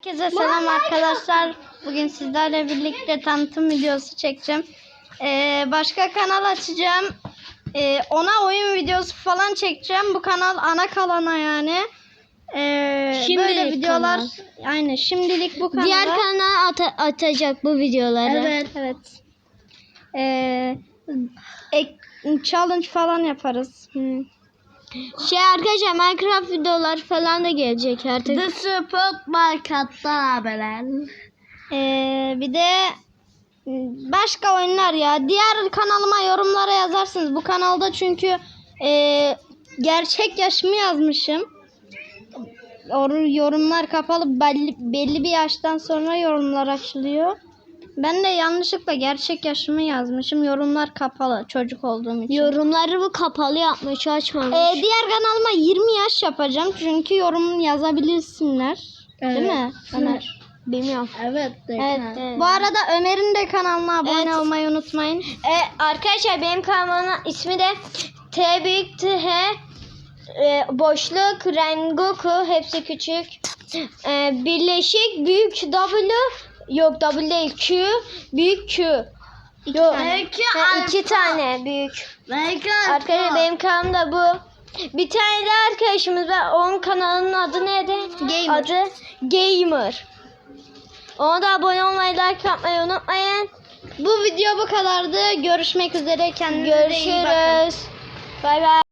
Herkese selam arkadaşlar. Bugün sizlerle birlikte tanıtım videosu çekeceğim. Başka kanal açacağım. Ona oyun videosu falan çekeceğim. Bu kanal ana kalana yani. Böyle videolar. Aynen şimdilik bu kanal. Diğer kanal atacak bu videoları. Evet. Challenge falan yaparız. Arkadaşlar Minecraft videoları falan da gelecek artık. The Spot Market'tan haberler. Bir de başka oyunlar ya. Diğer kanalıma yorumlara yazarsınız. Bu kanalda çünkü gerçek yaşımı yazmışım. Yorumlar kapalı. Belli bir yaştan sonra yorumlar açılıyor. Ben de yanlışlıkla gerçek yaşımı yazmışım. Yorumlar kapalı çocuk olduğum için. Yorumları bu kapalı yapmış, açmamış. Diğer kanalıma 20 yaş yapacağım. Çünkü yorum yazabilirsinler. Evet. Değil mi Ömer? Bilmiyorum. Evet. Bu arada Ömer'in de kanalına abone olmayı unutmayın. Arkadaşlar benim kanalımın ismi de T büyük T H boşluk Rengoku, hepsi küçük. Birleşik büyük W, yok W değil, Q büyük Q. Yok, iki tane büyük. Arkadaşlar benim kanalım da bu. Bir tane de arkadaşımız var. Onun kanalının adı neydi? Gamer. Adı Gamer. Ona da abone olmayı, like yapmayı unutmayın. Bu video bu kadardı. Görüşmek üzere. Kendinize iyi bakın. Görüşürüz. Bay bay.